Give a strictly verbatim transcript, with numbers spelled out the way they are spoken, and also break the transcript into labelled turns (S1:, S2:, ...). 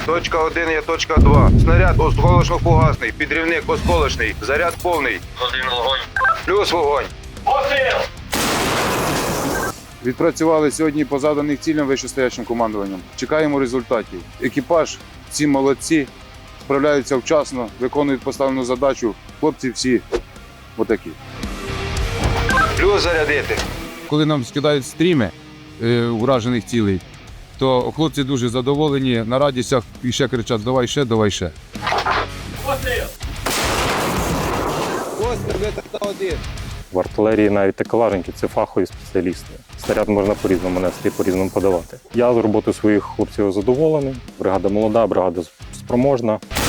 S1: Точка один є точка два. Снаряд осколочно-фугасний, підрівник осколочний, заряд повний.
S2: Один вогонь.
S1: Плюс вогонь.
S2: Постріл!
S3: Відпрацювали сьогодні по заданих цілям вищестоячим командуванням. Чекаємо результатів. Екіпаж, всі молодці, справляються вчасно, виконують поставлену задачу. Хлопці всі отакі.
S1: Плюс зарядити.
S3: Коли нам скидають стріми е, уражених цілей, то хлопці дуже задоволені, на радістях і ще кричать: давай ще, давай ще.
S2: Постріл!
S4: В артилерії навіть такелажники – це фахові спеціалісти. Снаряд можна по-різному нести, по-різному подавати. Я з роботи своїх хлопців задоволений. Бригада молода, бригада спроможна.